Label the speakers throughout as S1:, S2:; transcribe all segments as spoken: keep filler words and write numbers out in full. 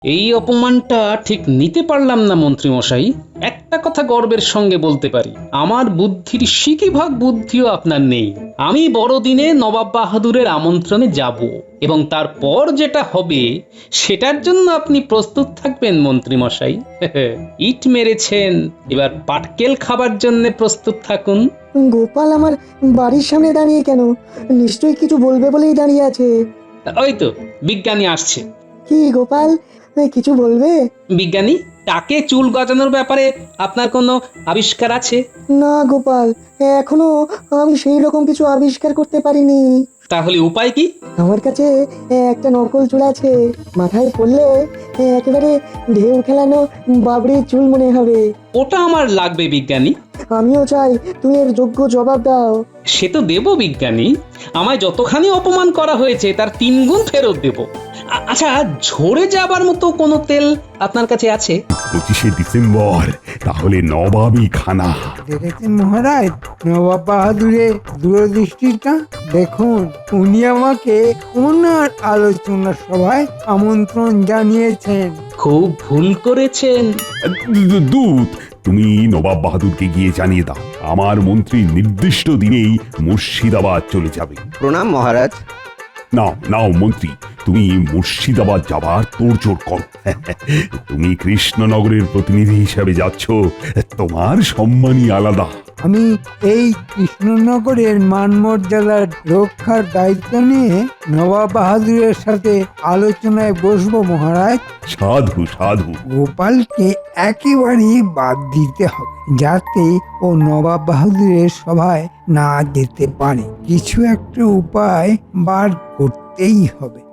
S1: এই অপমানটা ঠিক নিতে পারলাম না মন্ত্রী মশাই। একটা কথা গর্বের সঙ্গে বলতে পারি, আমার বুদ্ধির সিকিভাগ বুদ্ধিও আপনার নেই। আমি বড়দিনে নবাব বাহাদুরের আমন্ত্রণে যাব, এবং তারপর যেটা হবে সেটার জন্য আপনি প্রস্তুত থাকবেন মন্ত্রী মশাই। ইট মেরেছেন, এবার পাটকেল খাবার জন্য প্রস্তুত থাকুন।
S2: গোপাল আমার বাড়ির সামনে দাঁড়িয়ে কেন? নিশ্চয়ই কিছু বলবে বলেই দাঁড়িয়ে আছে।
S1: ওই তো বিজ্ঞানী আসছে।
S2: কি গোপাল, এ, কিছু বলবে?
S1: বিজ্ঞানী, তাকে চুল গজানোর ব্যাপারে আপনার কোনো আবিষ্কার আছে?
S2: না গোপাল, এখনো আমি সেই রকম কিছু আবিষ্কার করতে পারিনি।
S1: তাহলে উপায় কি?
S2: আমার কাছে একটা নকল চুল আছে, মাথায় পড়লে একেবারে ঢেউ খেলানো বাবরির চুল মনে হবে।
S1: ওটা আমার লাগবে বিজ্ঞানী।
S2: আমিও চাই তুমি এর যোগ্য জবাব দাও।
S1: সে তো দেব বিজ্ঞানী, আমায় যতখানি অপমান করা হয়েছে তার তিন গুণ ফেরত দেব। আ- আচ্ছা, ঝরে যাবার মতো কোনো তেল আপনার কাছে আছে?
S3: পঁচিশে ডিসেম্বর, তাহলে নবাবী খানা।
S4: দেখেছেন মহারাজ নবাব বাহাদুরের দূরদৃষ্টিটা দেখুন। উনি আমাকে ওনার আলোচনা সভায় আমন্ত্রণ জানিয়েছেন।
S1: খুব ভুল করেছেন।
S3: দূ- দূত, তুমি নবাব বাহাদুরকে গিয়ে জানিয়ে দাও আমার মন্ত্রী নির্দিষ্ট দিনেই মুর্শিদাবাদ চলে যাবে।
S5: প্রণাম মহারাজ।
S3: নাও নাও মন্ত্রী, তুমি মুর্শিদাবাদ যাবার তোড়জোড় করো। তুমি কৃষ্ণনগরের প্রতিনিধি হিসাবে যাচ্ছ, তোমার সম্মানই আলাদা।
S4: আমি এই কৃষ্ণনগরের মান মর্যাদার রক্ষার দায়িত্ব নিয়ে নবাব বাহাদুরের সাথে আলোচনায় বসবো মহারাজ।
S3: সাধু সাধু।
S4: গোপালকে একেবারেই বাদ দিতে হবে, যাতে ও নবাব বাহাদুরের সভায় না যেতে পারে। কিছু একটা উপায় বার করতেই হবে।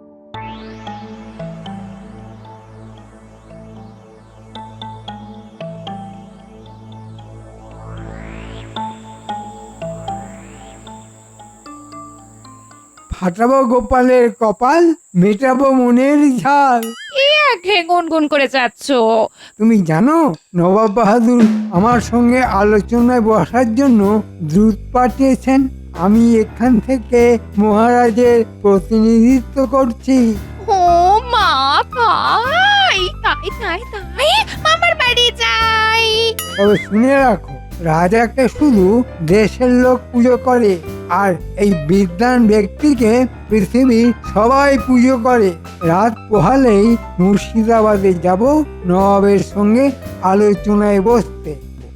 S4: ফাটাবো গোপালের কপাল, মেটাবো মনের ঝাল।
S6: আগে গুনগুন করে যাচ্ছ।
S4: তুমি জানো নবাব বাহাদুর আমার সঙ্গে আলোচনায় বসার জন্য দূত পাঠিয়েছেন। আমি এখান থেকে মহারাজের প্রতিনিধিত্ব করছি।
S6: ও মা, তাই তাই তাই তাই মামার বাড়ি যাই।
S4: তবে শুনে রাখো, রাজাকে শুধু দেশের লোক পুজো করে, আর এই বিদ্বান ব্যক্তিকে পৃথিবীর সবাই পুজো করে। রাত পোহালেই মুর্শিদাবাদে যাব নবাবের সঙ্গে আলোচনায় বসতে।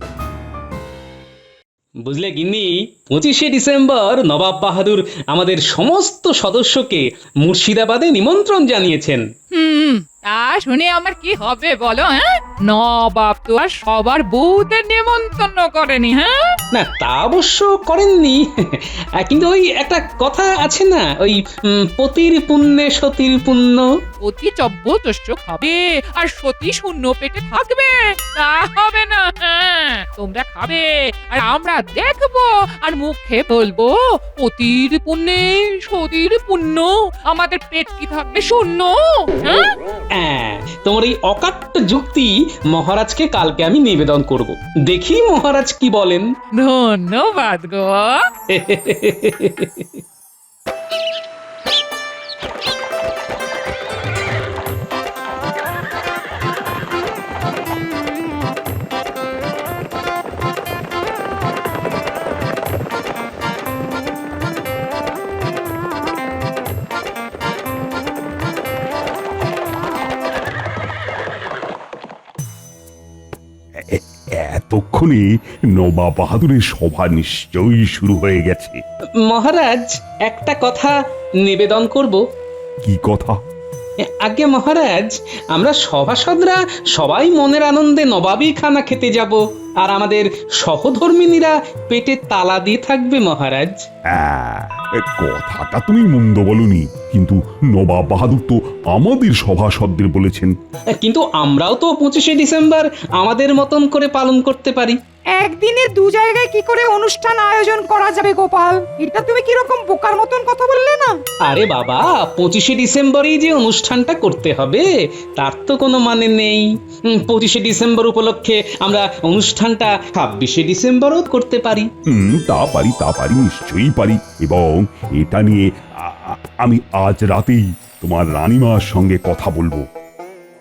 S1: বুঝলে গিন্নি, পঁচিশে ডিসেম্বর নবাব বাহাদুর আমাদের সমস্ত সদস্যকে মুর্শিদাবাদে নিমন্ত্রণ জানিয়েছেন।
S6: হুম, তা শুনে আমার কি হবে বলো? হ্যাঁ, নবাব তো আর সবার বউদের নিমন্ত্রণ করেনি। হ্যাঁ,
S1: না, তা অবশ্য করেননি, কিন্তু ওই একটা কথা আছে না, ওই উম, পতির পুণ্যে সতীর পুণ্য।
S6: অতি চব্যদস্য খাবে আর সতী শূন্য পেটে থাকবে, তা হবে না। হ্যাঁ, তোমরা খাবে আর আমরা দেখবো আর মুখে বলবো অতির পুণ্যে সতীর পুণ্য, আমাদের পেট কি থাকবে শূন্য? হ্যাঁ,
S1: হ্যাঁ, তোমার এই অকাট্য যুক্তি মহারাজকে কালকে আমি নিবেদন করব, দেখি মহারাজ কি বলেন।
S6: ধন্যবাদ গো।
S3: এ- এতক্ষণে নবাব বাহাদুরের সভা নিশ্চয়ই শুরু হয়ে গেছে।
S1: মহারাজ, একটা কথা নিবেদন করব।
S3: কি কথা?
S1: আগে মহারাজ, আমরা সভাসদরা সবাই মনের আনন্দে নবাবী খানা খেতে যাব, আর আমাদের সহধর্মিনীরা পেটে তালা দিয়ে থাকবে মহারাজ।
S3: হ্যাঁ, এ কথাটা তুমি মন্দ বলনি, কিন্তু নবাব বাহাদুর তো আমাদের সভাসদদের বলেছেন।
S1: কিন্তু আমরাও তো পঁচিশে ডিসেম্বর আমাদের মতন করে পালন করতে পারি।
S7: একদিনে দু জায়গায় কি করে অনুষ্ঠান আয়োজন করা যাবে গোপাল? এটা তুমি কিরকম বোকার মতন কথা বললে না?
S1: আরে বাবা, পঁচিশে ডিসেম্বরেই যে অনুষ্ঠানটা করতে হবে তার তো কোনো মানে নেই। উম, পঁচিশে ডিসেম্বর উপলক্ষে আমরা অনুষ্ঠানটা ছাব্বিশে ডিসেম্বরও করতে পারি।
S3: হুম, তা পারি তা পারি নিশ্চয়ই পারি। এবং এটা নিয়ে আ- আ- আমি আজ রাতেই তোমার রানীমার সঙ্গে কথা বলবো।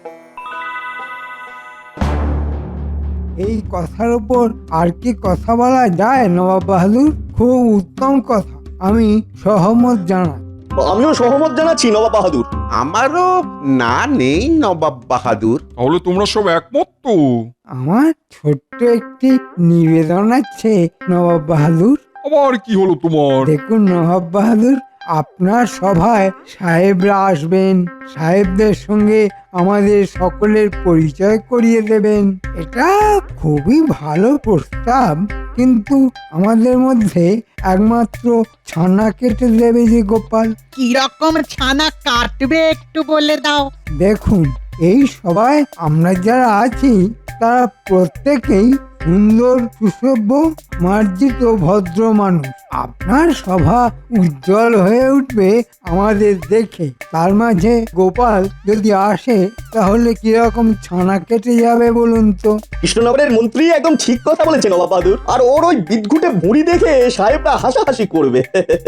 S4: এই কথার উপর আর কি কথা বলা যায় নবাব বাহাদুর? খুব উত্তম কথা, আমি সহমত জানাই।
S5: আমিও সহমত জানাচ্ছি নবাব বাহাদুর।
S8: আমারও না নেই নবাব বাহাদুর।
S9: তাহলে তোমরা সব একমত তো?
S4: আমার ছোট্ট একটি নিবেদন আছে নবাব বাহাদুর।
S9: আবার কি হলো তোমার?
S4: দেখুন নবাব বাহাদুর, আপনার সভায় সাহেবরা আসবেন, সাহেবদের সঙ্গে আমাদের সকলের পরিচয় করিয়ে দেবেন। এটা খুবই ভালো প্রস্তাব, কিন্তু আমাদের মধ্যে একমাত্র ছানা কেটে দেবে যে গোপাল।
S10: কিরকম ছানা কাটবে একটু বলে দাও।
S4: দেখুন, এই সভায় আমরা যারা আছি তারা প্রত্যেকেই সুন্দর, সুসভ্য, মার্জিত, ভদ্র মানুষ। আপনার সভা উজ্জ্বল হয়ে উঠবে আমাদের দেখে। তার মাঝে গোপাল যদি আসে তাহলে কিরকম ছানা কেটে যাবে বলুন তো?
S5: কৃষ্ণনগরের মন্ত্রী একদম ঠিক কথা বলেছেন নবাব বাহাদুর। আর ওর ওই বিদঘুটে ভুঁড়ি দেখে সাহেবরা হাসাহাসি করবে।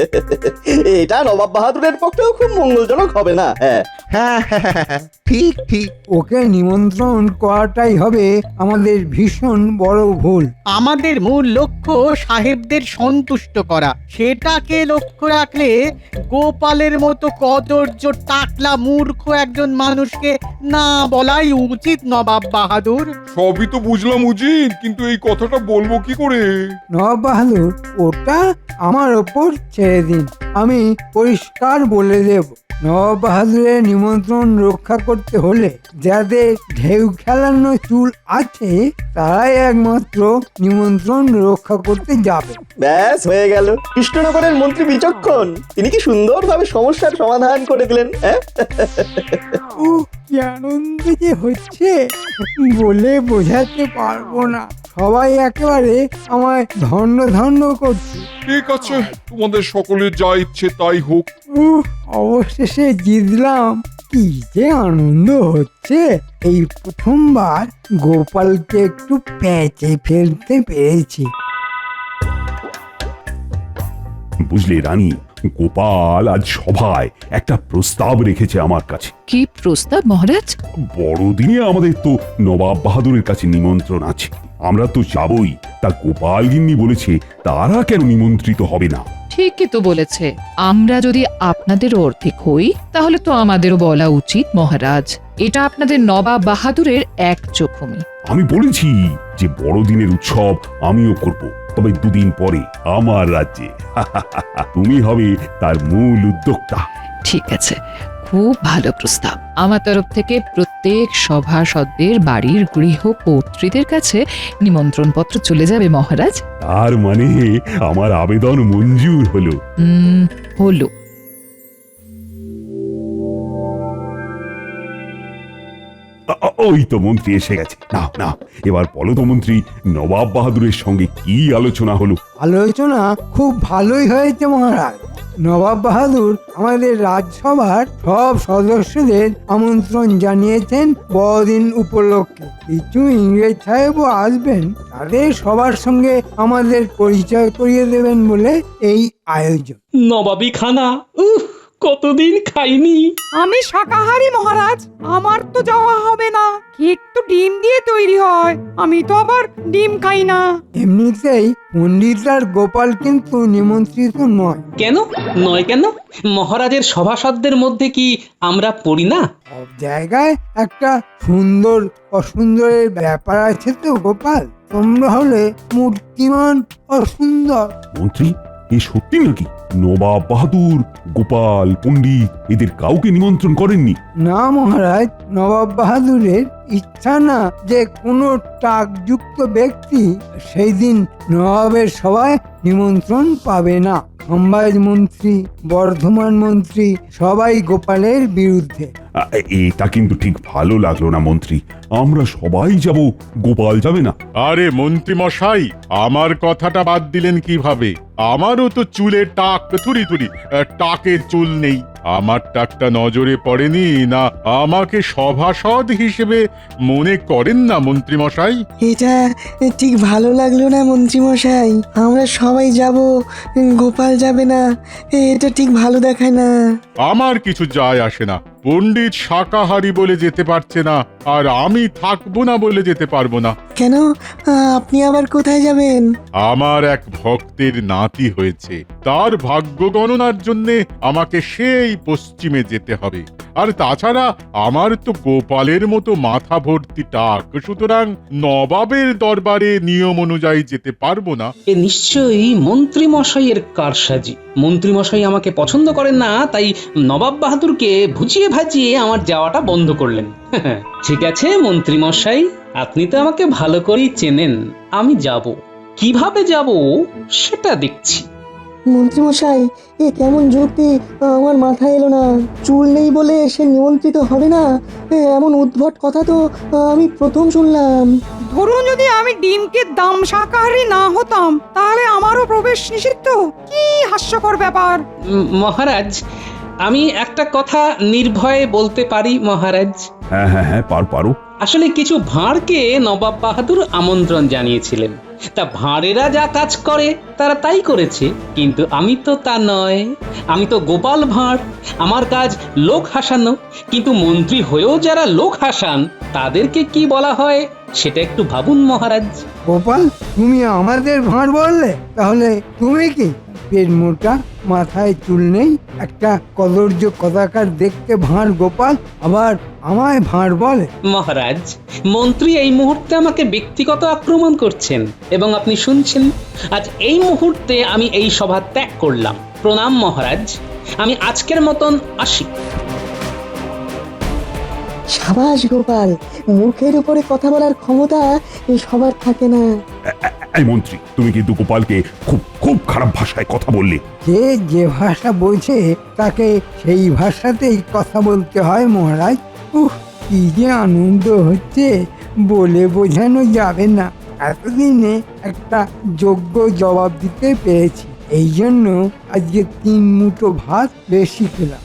S5: এটা নবাব বাহাদুরের পক্ষেও খুব মঙ্গলজনক হবে না? হ্যাঁ
S8: হ্যাঁ হ্যাঁ হ্যাঁ, হ্যাঁ, ঠিক ঠিক।
S4: ওকে নিমন্ত্রণ করাটাই হবে আমাদের ভীষণ বড় ভুল।
S10: আমাদের মূল লক্ষ্য সাহেবদের সন্তুষ্ট করা। সেটাকে লক্ষ্য রাখলে গোপালের মতো কদর্য টাকলা মূর্খ একজন মানুষকে না বলাই উচিত নবাব বাহাদুর।
S9: সবই তো বুঝলাম উজির, কিন্তু এই কথাটা বলবো কি করে?
S4: নবাব বাহাদুর, ওটা আমার ওপর ছেড়ে দিন, আমি পরিষ্কার বলে দেব। নবাব বাহাদুরের নিমন্ত্রণ রক্ষা করতে হলে যাদের ঢেউ খেলানো চুল আছে তারাই একমাত্র নিমন্ত্রণ রক্ষা করতে যাবে।
S5: ব্যাস হয়ে গেল। কৃষ্ণনগরের মন্ত্রী বিচক্ষণ, তিনি কি সুন্দরভাবে সমস্যার সমাধান করে দিলেন। হ্যাঁ
S4: ও কি আনন্দ যে হচ্ছে বলে বোঝাতে পারবো না। সবাই একেবারে আমায় ধন্য ধন্য করছে।
S9: ঠিক আছে, তোমাদের সকলের যা ইচ্ছে তাই হোক।
S4: উহ, অবশেষে জিতলাম। কি যে আনন্দ হচ্ছে! এই প্রথমবার গোপালকে একটু প্যাঁচে ফেলতে পেরেছি।
S3: বুঝলে রানী, গোপাল আজ সভায় একটা প্রস্তাব রেখেছে আমার কাছে।
S6: কি প্রস্তাব মহারাজ?
S3: বড়দিনে আমাদের তো নবাব বাহাদুরের কাছে নিমন্ত্রণ আছে, আমরা তো যাবই। তা গোপাল গিন্নি বলেছে তারা কেন নিমন্ত্রিত হবে না।
S6: ঠিকই তো বলেছে। আমরা যদি আপনাদের অর্ধেক হই তাহলে তো আমাদেরও বলা উচিত মহারাজ। এটা আপনাদের নবাব বাহাদুরের এক চোখমি।
S3: আমি বলেছি যে বড়দিনের উৎসব আমিও করব, তবে দুদিন পরে আমার রাজ্যে। তুমি হবে তার মূল উদ্যোক্তা।
S6: ঠিক আছে, খুব ভালো প্রস্তাব। আমার তরফ থেকে প্রত্যেক সভাসদদের বাড়ির গৃহকর্ত্রীদের কাছে নিমন্ত্রণ পত্র চলে যাবে মহারাজ।
S3: তার মানে আমার আবেদন মঞ্জুর হলো।
S6: হুম, হলো।
S3: আ- আ- ওই তো মন্ত্রী এসে গেছে। না না, এবার বলো তো মন্ত্রী, নবাব বাহাদুরের সঙ্গে কি আলোচনা হলো?
S4: আলোচনা খুব ভালোই হয়েছে মহারাজ। নবাব বাহাদুর আমাদের রাজসভার সব সদস্যদের আমন্ত্রণ জানিয়েছেন বড়দিন উপলক্ষে। কিছু ইংরেজ সাহেবও আসবেন, তাদের সবার সঙ্গে আমাদের পরিচয় করিয়ে দেবেন বলে এই আয়োজন।
S1: নবাবী খানা, উহ, কতদিন খাইনি।
S7: আমি শাকাহারী মহারাজ, আমার তো যাওয়া হবে না। কেক তো ডিম দিয়ে তৈরি হয়, আমি তো আবার ডিম খাই না।
S4: এমনিতেই পণ্ডিত আর গোপাল কিন্তু নিমন্ত্রিত নয়।
S1: কেন নয়? কেন মহারাজের সভাসদদের মধ্যে কি আমরা পড়ি না?
S4: সব জায়গায় একটা সুন্দর অসুন্দরের ব্যাপার আছে তো গোপাল। তোমরা হলে মূর্তিমান অসুন্দর।
S3: মন্ত্রী, এ সত্যি নাকি নবাব বাহাদুর, গোপাল, পণ্ডিত এদের কাউকে নিমন্ত্রণ করেননি?
S4: না মহারাজ, নবাব বাহাদুরের ইচ্ছা না যে কোনো টাকযুক্ত ব্যক্তি সেই দিন নবাবের সভায় নিমন্ত্রণ পাবে না। সম্বাজ মন্ত্রী, বর্ধমান মন্ত্রী সবাই গোপালের বিরুদ্ধে।
S3: আ, এটা কিন্তু ঠিক ভালো লাগলো না মন্ত্রী। আমরা সবাই যাব, গোপাল যাবে না।
S9: আরে মন্ত্রী মশাই, আমার কথাটা বাদ দিলেন কিভাবে? আমারও তো চুলে টাক, থুরি থুরি টাকের চুল নেই। আমার টাকটা নজরে পড়েনি না? আমাকে সভাসদ হিসেবে মনে করেন না মন্ত্রী মশাই?
S2: এটা ঠিক ভালো লাগলো না মন্ত্রী মশাই। আমরা সবাই যাব, গোপাল যাবে না, এটা ঠিক ভালো দেখায় না।
S9: আমার কিছু যায় আসে না। পণ্ডিত শাকাহারি বলে যেতে পারছে না, আর আমি থাকবো না বলে যেতে পারবো না।
S2: কেন আহ, আপনি আবার কোথায় যাবেন?
S9: আমার এক ভক্তের নাতি হয়েছে, তার ভাগ্য গণনার জন্যে আমাকে সেই পশ্চিমে যেতে হবে। আর তাছাড়া আমার তো গোপালের মতো মাথা ভর্তি টাক, সুতরাং নবাবের দরবারে নিয়ম অনুযায়ী যেতে পারবো না।
S1: এ নিশ্চয়ই মন্ত্রী মশাইয়ের কারসাজি। মন্ত্রী মশাই আমাকে পছন্দ করেন না, তাই নবাব বাহাদুরকে ভুজিয়ে ভাজিয়ে আমার যাওয়াটা বন্ধ করলেন। ঠিক আছে মন্ত্রী মশাই, আপনি তো আমাকে ভালো করেই চেনেন। আমি যাব, কিভাবে যাব সেটা দেখছি।
S2: মন্ত্রী মশাই, এ কেমন যুক্তি আমার মাথায় এলো না। চুল নেই বলে সে নিমন্ত্রিত হবে না, এ, এমন উদ্ভট কথা তো আমি প্রথম শুনলাম।
S7: ধরুন যদি আমি ডিমকে দাম শাকাহারি না হতাম, তাহলে আমারও প্রবেশ নিষিদ্ধ? কি হাস্যকর ব্যাপার!
S1: উম, মহারাজ, আমি একটা কথা নির্ভয়ে বলতে পারি মহারাজ।
S3: হ্যাঁ হ্যাঁ হ্যাঁ, পার পারো।
S1: আসলে কিছু ভাঁড়কে নবাব বাহাদুর আমন্ত্রণ জানিয়েছিলেন। তা ভাঁড়েরা যা কাজ করে তারা তাই করেছে, কিন্তু আমি তো তা নয়। আমি তো গোপাল ভাঁড়, আমার কাজ লোক হাসানো। কিন্তু মন্ত্রী হয়েও যারা লোক হাসান তাদেরকে কি বলা হয় সেটা একটু ভাবুন মহারাজ।
S4: গোপাল, তুমি আমাদের ভাঁড় বললে? তাহলে তুমি কি পেট মোটা, মাথায় চুল নেই, একটা কদর্য কদাকার দেখতে ভাঁড় গোপাল, আবার আমায় ভাঁড় বলে?
S1: মহারাজ, মন্ত্রী এই মুহূর্তে আমাকে ব্যক্তিগত আক্রমণ করছেন এবং আপনি শুনছেন। আজ এই মুহূর্তে আমি এই সভা ত্যাগ করলাম। প্রণাম মহারাজ, আমি আজকের মতন আসি।
S2: সাবাস গোপাল, মুখের উপরে কথা বলার ক্ষমতা সবার থাকে না।
S3: এ- এ- এই মন্ত্রী, তুমি কিন্তু গোপালকে খুব খুব খারাপ ভাষায় কথা বললে।
S4: যে যে ভাষা বোঝে তাকে সেই ভাষাতেই কথা বলতে হয় মহারাজ। উহ, কি যে আনন্দ হচ্ছে বলে বোঝানো যাবে না। এতদিনে একটা যোগ্য জবাব দিতে পেরেছি, এই জন্য আজকে তিন মুঠো ভাত বেশি খেলাম।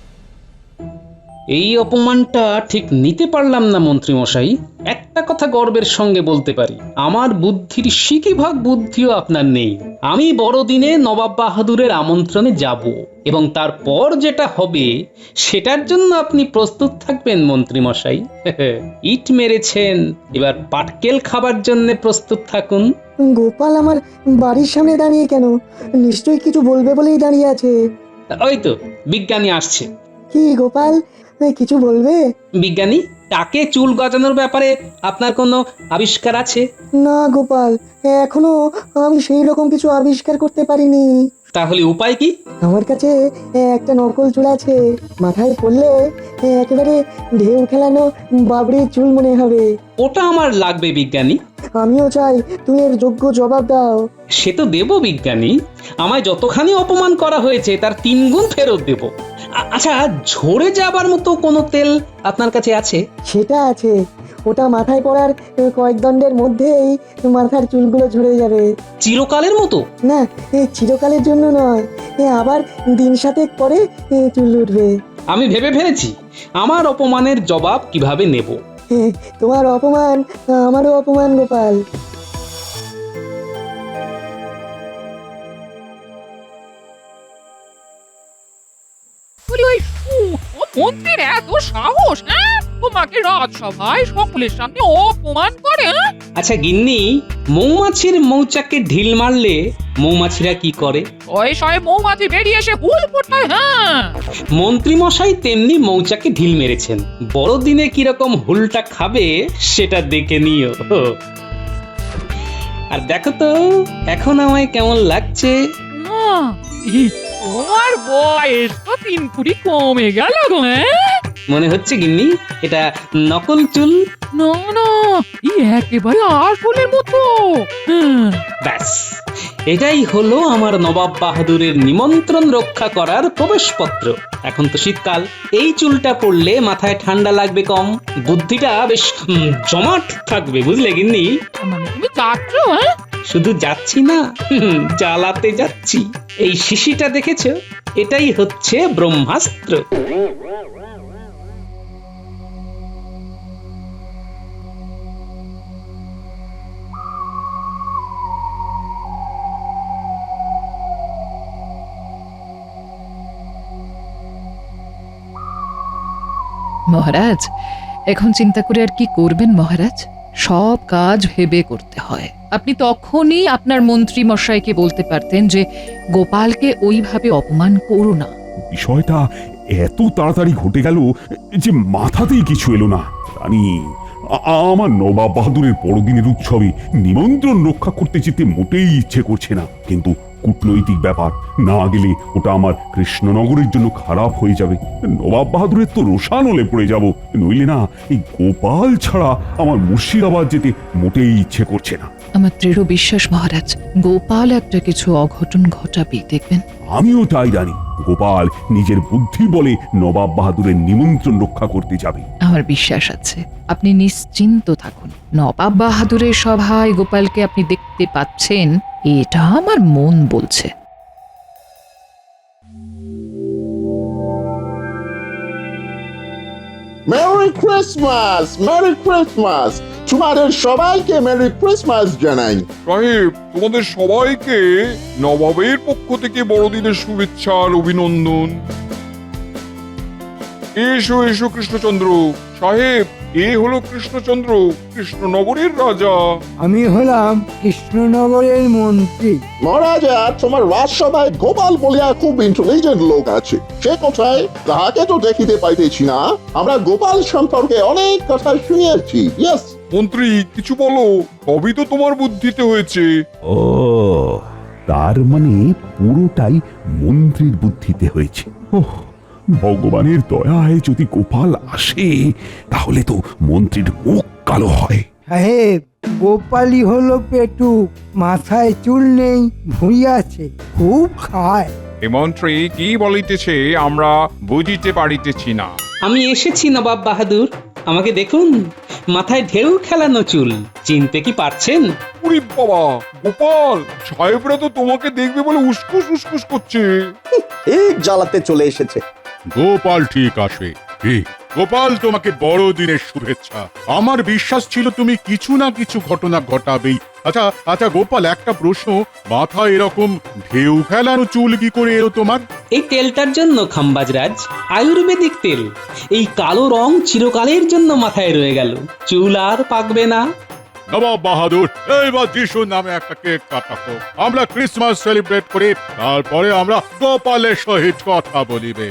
S1: এই অপমানটা ঠিক নিতে পারলাম না মন্ত্রী মশাই। একটা কথা গর্বের সঙ্গে বলতে পারি, আমার বুদ্ধির সিকি ভাগ বুদ্ধিও আপনার নেই। আমি বড়দিনে নবাব বাহাদুরের আমন্ত্রণে যাব, এবং তারপর যেটা হবে সেটার জন্য আপনি প্রস্তুত থাকবেন মন্ত্রী মশাই। ইট মেরেছেন, এবার পাটকেল খাবার জন্য প্রস্তুত থাকুন।
S2: গোপাল আমার বাড়ির সামনে দাঁড়িয়ে কেন? নিশ্চয়ই কিছু বলবে বলেই দাঁড়িয়ে আছে।
S1: ওই তো বিজ্ঞানী আসছে।
S2: কি গোপাল, কিছু বলবে?
S1: বিজ্ঞানী, টাকে চুল গজানোর ব্যাপারে আপনার কোনো আবিষ্কার আছে?
S2: না গোপাল, এখনো আমি সেই রকম কিছু আবিষ্কার করতে পারিনি।
S1: তাহলে উপায় কি?
S2: আমার কাছে একটা নকল চুল আছে, মাথায় পড়লে একেবারে ঢেউ খেলানো বাবরির চুল মনে হবে।
S1: ওটা আমার লাগবে বিজ্ঞানী।
S2: আমিও চাই তুমি এর যোগ্য জবাব দাও।
S1: সে তো দেব বিজ্ঞানী, আমায় যতখানি অপমান করা হয়েছে তার তিন গুণ ফেরত দেব। আ- আচ্ছা, ঝরে যাবার মতো কোনো তেল আপনার কাছে আছে?
S2: সেটা আছে, ওটা মাথায় পড়ার কয়েক দণ্ডের মধ্যেই মাথার চুলগুলো ঝরে যাবে।
S1: চিরকালের মতো?
S2: না, এ চিরকালের জন্য নয়, এ আবার দিন সাতেক পরে এ চুল উঠবে।
S1: আমি ভেবে ফেলেছি আমার অপমানের জবাব কিভাবে নেব।
S2: এ, তোমার অপমান আমারও অপমান গোপাল।
S6: ওই ওই উ- ও মন্ত্রীর এত সাহস, হ্যাঁ? তোমাকে রাজসভায় সকলের সামনে অপমান করে, হ্যাঁ?
S1: আচ্ছা গিন্নি, মৌমাছির মৌচাকে ঢিল মারলে মৌমাছিরা কি করে?
S6: শয়ে শয়ে মৌমাছি বেরিয়ে এসে হুল ফোটায়, হ্যাঁ।
S1: মন্ত্রী মশাই তেমনি মৌচাকে ঢিল মেরেছেন। বড়দিনে কিরকম হুলটা খাবে সেটা দেখে নিও। আর দেখো তো এখন আমায় কেমন লাগছে।
S6: না, ই, তোমার বয়স তো তিন কুড়ি কমে গেল গো, হ্যাঁ?
S1: মনে হচ্ছে গিন্নি এটা নকল চুল।
S6: না না, ই একেবারে আসলের মতো, হ্যাঁ।
S1: ব্যাস, এটাই হলো আমার নবাব বাহাদুরের নিমন্ত্রণ রক্ষা করার প্রবেশপত্র। এখন তো শীতকাল, এই চুলটা পড়লে মাথায় ঠান্ডা লাগবে কম, বুদ্ধিটা বেশ উম, জমাট থাকবে, বুঝলে গিন্নি?
S6: মানে তুমি যাচ্ছ, হ্যাঁ?
S1: শুধু যাচ্ছি না, হুম, জ্বালাতে যাচ্ছি। এই শিশিটা দেখেছো? এটাই হচ্ছে ব্রহ্মাস্ত্র।
S6: মহারাজ এখন চিন্তা করে আর কি করবেন মহারাজ? সব কাজ ভেবে করতে হয়। আপনি তখনই আপনার মন্ত্রী মশাইকে বলতে পারতেন যে গোপালকে ওইভাবে অপমান করো না।
S3: বিষয়টা এত তাড়াতাড়ি ঘটে গেল যে মাথাতেই কিছু এলো না। রানী, আ- আমার নবাব বাহাদুরের বড়দিনের উৎসবে নিমন্ত্রণ রক্ষা করতে যেতে মোটেই ইচ্ছে করছে না, কিন্তু কূটনৈতিক ব্যাপার, না গেলে ওটা আমার কৃষ্ণনগরের জন্য খারাপ হয়ে যাবে। নবাব বাহাদুরের তো রোষানলে পড়ে যাব, নইলে না এই গোপাল ছাড়া আমার মুর্শিদাবাদ যেতে মোটেই ইচ্ছে করছে না।
S6: আমার দৃঢ় বিশ্বাস মহারাজ, গোপাল একটা কিছু অঘটন ঘটাবেই, দেখবেন।
S3: আমিও তাই জানি, গোপাল নিজের বুদ্ধি বলে নবাব বাহাদুরের নিমন্ত্রণ রক্ষা করতে যাবে।
S6: আমার বিশ্বাস আছে, আপনি নিশ্চিন্ত থাকুন। নবাব বাহাদুরের সভায় গোপালকে আপনি দেখতে পাচ্ছেন, এটা আমার মন বলছে।
S11: মেরি ক্রিসমাস, মেরি ক্রিসমাস, তোমাদের সবাইকে মেরি ক্রিসমাস জানাই।
S12: সাহেব, তোমাদের সবাইকে নবাবের পক্ষ থেকে বড়দিনের শুভেচ্ছা আর অভিনন্দন। এসো এসো কৃষ্ণচন্দ্র সাহেব, এ হলো কৃষ্ণচন্দ্র, কৃষ্ণনগরের রাজা।
S4: আমি হলাম কৃষ্ণনগরের মন্ত্রী।
S11: মহারাজা, তোমার রাজসভায় গোপাল বলিয়া খুব ইন্টেলিজেন্ট লোক আছে, সে কোথায় তাহাকে তো দেখিতে পাইতেছি না। আমরা গোপাল সম্পর্কে অনেক কথা শুনিয়েছি। ইয়েস
S12: মন্ত্রী, কিছু বলো, সবই তো তোমার বুদ্ধিতে হয়েছে।
S3: ও, তার মানে পুরোটাই মন্ত্রীর বুদ্ধিতে হয়েছে। ওহ, ভগবানের দয়ায় যদি গোপাল আসে তাহলে তো মন্ত্রীর মুখ কালো হয়।
S4: সাহেব, গোপালই হলো পেটুক, মাথায় চুল নেই, ভুঁড়ি আছে, খুব খায়।
S12: এ মন্ত্রী কি বলিতেছে আমরা বুঝিতে পারিতেছি না।
S1: আমি এসেছি নবাব বাহাদুর, আমাকে দেখুন, মাথায় ঢেউ খেলানো চুল, চিনতে কি পারছেন?
S12: উরি বাবা, গোপাল সাহেবরা তো তোমাকে দেখবে বলে উসকুস উসকুস করছে।
S5: ঠিক জ্বালাতে চলে এসেছে।
S9: গোপাল ঠিক আসে। কি গোপাল, তোমাকে বড়দিনের শুভেচ্ছা। আমার বিশ্বাস ছিল তুমি কিছু না কিছু ঘটনা ঘটাবেই। আচ্ছা আচ্ছা গোপাল, একটা প্রশ্ন, মাথায় এরকম ঢেউ খেলানো চুল কি করে এলো তোমার?
S1: এই তেলটার জন্য খাম্বাজরাজ, আয়ুর্বেদিক তেল। এই কালো রং চিরকালের জন্য মাথায় রয়ে গেল, চুল আর পাকবে না।
S9: নবাব বাহাদুর, এইবার যিশু নামে একটা কেক কাটাবো, আমরা ক্রিসমাস সেলিব্রেট করি, তারপরে আমরা গোপালের সহিত কথা বলিবে।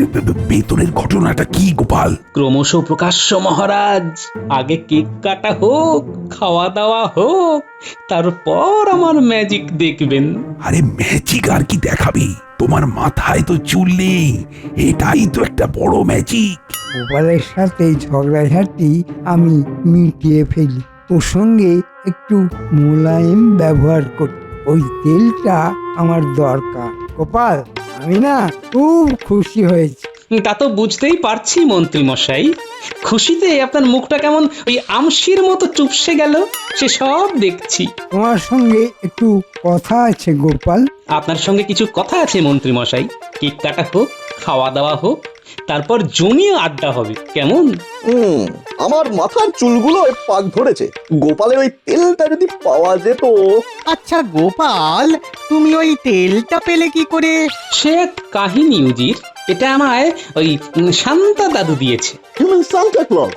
S3: ভেতরের ঘটনাটা কি গোপাল?
S1: ক্রমশ প্রকাশ্য মহারাজ, আগে কেক কাটা হোক, খাওয়া দাওয়া হোক, তারপর আমার ম্যাজিক দেখবেন।
S3: আরে ম্যাজিক আর কি দেখাবি? তোমার মাথায় তো চুল নেই, এটাই তো একটা বড় ম্যাজিক।
S4: গোপালের সাথে ঝগড়াঝাটি আমি মিটিয়ে ফেলি, ওর সঙ্গে একটু মোলায়েম ব্যবহার করি। ওই তেলটা আমার দরকার। গোপাল, আমি না খুব খুশি হয়েছি।
S1: তা তো বুঝতেই পারছি মন্ত্রী মশাই, খুশিতে আপনার মুখটা কেমন ওই আমশির মতো চুপসে গেল, সে সব দেখছি।
S4: তোমার সঙ্গে একটু কথা আছে গোপাল।
S1: আপনার সঙ্গে কিছু কথা আছে মন্ত্রী মশাই, কেক কাটা হোক, খাওয়া দাওয়া হোক, তারপর জমিয়ে আড্ডা হবে, কেমন?
S5: হুম, আমার মাথার চুলগুলো পাক ধরেছে, গোপালের ওই তেলটা যদি পাওয়া যেত।
S10: আচ্ছা গোপাল, তুমি ওই তেলটা পেলে কি করে?
S1: সে এক কাহিনী উজির, এটা আমায় ওই উম, শান্তা দাদু দিয়েছে।
S11: Human Santa Claus.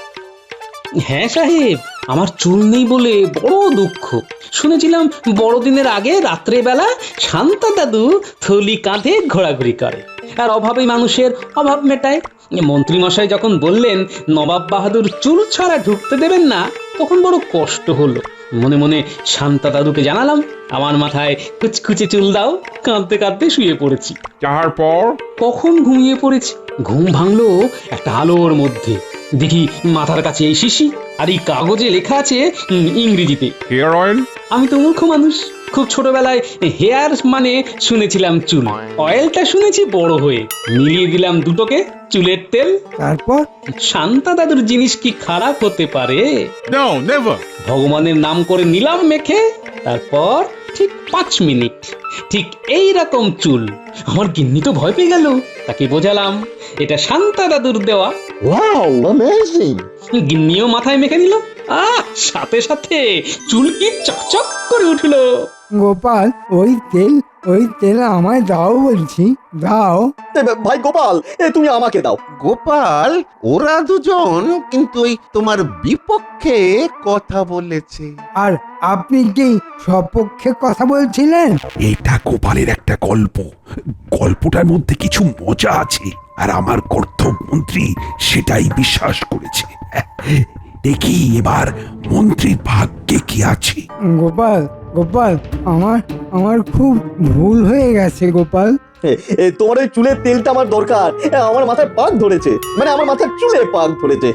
S1: হ্যাঁ সাহেব, আমার চুল নেই বলে বড় দুঃখ। শুনেছিলাম বড়দিনের আগে রাত্রে বেলা শান্তা দাদু থলি কাঁধে ঘোরাঘুরি করে, আর অভাবে মানুষের অভাব মেটায়। মন্ত্রী মশাই যখন বললেন নবাব বাহাদুর চুল ছাড়া ঢুকতে দেবেন না, তখন বড় কষ্ট হলো। মনে মনে শান্তা দাদুকে জানালাম, আমার মাথায় কুচকুচে চুল দাও। কাঁদতে কাঁদতে শুয়ে পড়েছি।
S12: তারপর
S1: কখন ঘুমিয়ে পড়েছি, ঘুম ভাঙলো একটা আলোর মধ্যে। দেখি মাথার কাছে এই শিশি, আর এই কাগজে লেখা আছে উম, ইংরেজিতে
S12: হেয়ার অয়েল।
S1: আমি তো মূর্খ মানুষ, খুব ছোটবেলায় হেয়ার মানে শুনেছিলাম চুল, অয়েলটা শুনেছি বড় হয়ে। মিলিয়ে দিলাম দুটোকে, চুলের তেল।
S4: তারপর
S1: শান্তা দাদুর জিনিস কি খারাপ হতে পারে?
S9: No, never.
S1: ভগবানের নাম করে নিলাম মেখে। তারপর ঠিক পাঁচ মিনিট ঠিক এই রকম চুল। আমার গিন্নি তো ভয় পেয়ে গেল, তাকে বোঝালাম এটা শান্তা দাদুর দেওয়া।
S11: Wow, amazing.
S1: গিন্নিও মাথায় মেখে নিল, আহ সাথে সাথে চুল কি চকচক করে উঠলো।
S4: গোপাল, ওই তেল ওই তেল আমায় দাও বলছি, দাও।
S5: এ, ভাই গোপাল এ তুমি আমাকে দাও।
S8: গোপাল, ওরা দুজন কিন্তু ওই তোমার বিপক্ষে কথা বলেছে।
S4: আর আপনি কি সপক্ষে কথা বলছিলেন?
S3: এটা গোপালের একটা গল্প, গল্পটার মধ্যে কিছু মজা আছে, আর আমার কর্তব্য মন্ত্রী সেটাই বিশ্বাস করেছে। দেখি এবার মন্ত্রীর ভাগ্যে কি আছে।
S4: গোপাল, গোপাল, আমার আমার খুব ভুল হয়ে গেছে গোপাল।
S5: এ, এ, তোমার ওই চুলের তেলটা আমার দরকার। এ, আমার মাথায় পাক ধরেছে, মানে আমার মাথার চুলে পাক ধরেছে।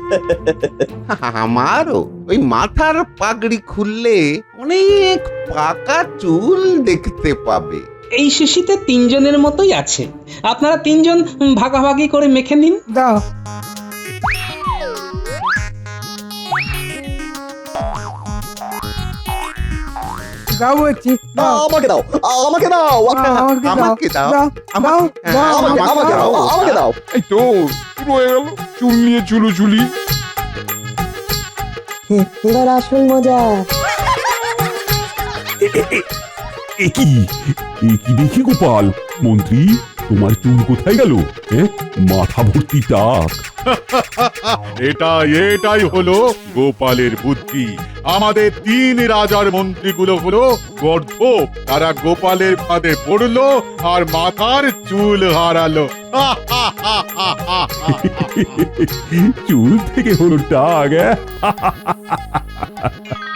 S8: আমারও ওই মাথার পাগড়ি খুললে অনেক পাকা চুল দেখতে পাবে।
S1: এই শিশিতে তিনজনের মতোই আছে, আপনারা তিনজন ভাগাভাগি করে মেখে নিন।
S4: দাও। দাও বলছি, দাও।
S5: আমাকে দাও, আমাকে দাও,
S4: আমাকে দাও,
S8: আমাকে দাও।
S4: দাও, দাও, দাও,
S5: আমাকে আমাকে দাও, আমাকে দাও।
S12: এই তো শুরু হয়ে গেল চুল নিয়ে চুলোচুলি।
S2: এ- এবার আসল মজা।
S3: এ- এ- এ- এ কি এ কি দেখি গোপাল, মন্ত্রী তোমার চুল কোথায় গেল? হ্যাঁ, মাথা ভর্তি টাক।
S9: এটা এটাই হলো গোপালের বুদ্ধি। আমাদের তিন রাজার মন্ত্রীগুলো হলো গর্ধপ, তারা গোপালের ফাঁদে পড়লো আর মাথার চুল হারালো।
S3: চুল থেকে হলো টাক। হ্যাঁ?